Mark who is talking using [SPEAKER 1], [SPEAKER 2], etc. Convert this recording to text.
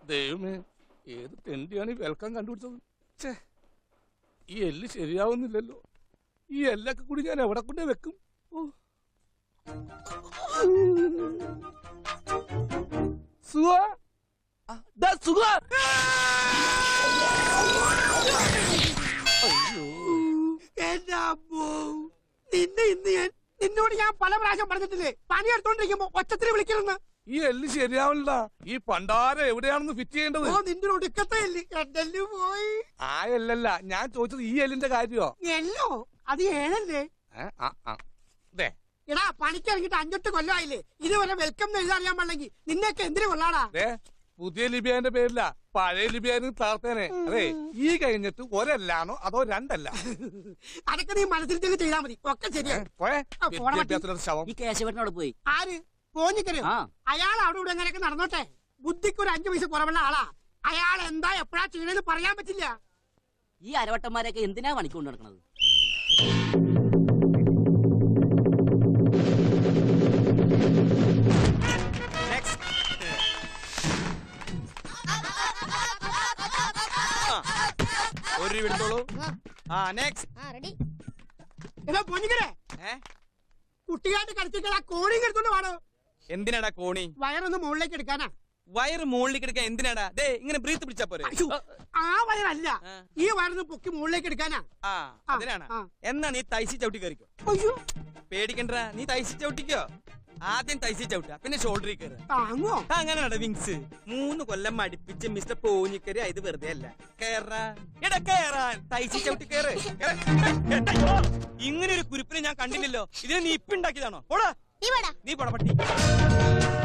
[SPEAKER 1] ദൈവമേ, ഏത് തെണ്ടിയാണ് ഈ വെൽക്കം കണ്ടുപിടിച്ചത്? ഛേ, ഈ എല്ല് ശരിയാവുന്നില്ലല്ലോ. ഈ എല്ലൊക്കെ കൂടി ഞാൻ എവിടെ കൊണ്ടേ വെക്കും?
[SPEAKER 2] നിന്നോട് ഞാൻ പല പ്രാവശ്യം പറഞ്ഞിട്ടില്ലേ പണിയെടുത്തോണ്ടിരിക്കുമ്പോ ഒച്ചത്തിന് വിളിക്കണമെന്ന്.
[SPEAKER 1] ഈ എല്ല് ശരിയാവില്ല. ഈ പണ്ടാരം എവിടെയാണെന്ന് ഫിറ്റ് ചെയ്യേണ്ടത്?
[SPEAKER 2] നിന്റെ ഒടുക്കത്തെ എല്ല് പോയി.
[SPEAKER 1] ആ എല്ലല്ല ഞാൻ ചോദിച്ചത്, ഈ എല്ലിന്റെ കാര്യോ?
[SPEAKER 2] എല്ലോ അത് ഏഴല്ലേ? എടാ പണിക്ക് ഇറങ്ങിട്ട് 5-8 കൊല്ലമായില്ലേ, ഇതുവരെ വെൽക്കം എന്ന് എഴുതാറിയാൻ പാടില്ലെങ്കിൽ നിന്നെയൊക്കെ എന്തിനു കൊള്ളാടാ?
[SPEAKER 1] പുതിയ ലിബിയാന്റെ പേരില്ല, പഴയ ലിബിയാന് താർത്തേനെ. അതെ, ഈ കഴിഞ്ഞിട്ട് ഒരല്ലാണോ അതോ രണ്ടല്ല?
[SPEAKER 2] അതൊക്കെ നീ മനസ്സിൽ തന്നെ ചെയ്താൽ മതി, ഒക്കെ ശരിയാ.
[SPEAKER 3] ഈ കേശവനോട് പോയി
[SPEAKER 2] ആര് പോഞ്ഞിക്കരയോ? അയാൾ അവിടെ ഇവിടെ എങ്ങനെയൊക്കെ നടന്നോട്ടെ, ബുദ്ധിക്ക് ഒരു 5 പൈസ കുറവുള്ള ആളാ. അയാൾ എന്താ എപ്പോഴാ ചെയ്യണെന്ന് പറയാൻ പറ്റില്ല.
[SPEAKER 3] ഈ അരവട്ടന്മാരൊക്കെ എന്തിനാ പണിക്കൊണ്ട് നടക്കണത്?
[SPEAKER 2] കുട്ടിയായിട്ട് കളിച്ചിട്ട് കോണി എടുത്തോണ്ട് പാടോ.
[SPEAKER 4] എന്തിനാടാ കോണി?
[SPEAKER 2] വയറൊന്ന് മുകളിലേക്ക് എടുക്കാനാ.
[SPEAKER 4] വയറ് മുകളിലേക്ക് എടുക്കാൻ എന്തിനാടാ? ദേ ഇങ്ങനെ ബ്രീത്ത് പിടിച്ചാ പോരെ?
[SPEAKER 2] ആ വയറല്ല, ഈ വയറൊന്ന് പൊക്കി മുകളിലേക്ക് എടുക്കാനാ.
[SPEAKER 4] അതിനാണ്. എന്നാ നീ തൈസി ചവിട്ടി കയറിക്കോ. പേടിക്കണ്ട, നീ തൈസി ചവിട്ടിക്കോ. ആദ്യം തൈസി ചവിട്ടാ, പിന്നെ ഷോൾഡറിൽ കയറി. അങ്ങനെയാണോ വിങ്സ്? 3 കൊല്ലം മടിപ്പിച്ച് മിസ്റ്റർ പോഞ്ഞിക്കരി ഇത് വെറുതെ അല്ല. കേറാൻ തൈസി ചവിട്ടി കയറ്. ഇങ്ങനെ ഒരു കുരിപ്പിനെ ഞാൻ കണ്ടില്ലല്ലോ. ഇതിനെ നീ ഇപ്പിണ്ടാക്കിയതാണോ? പോടാ നീ പോടാ പട്ടി.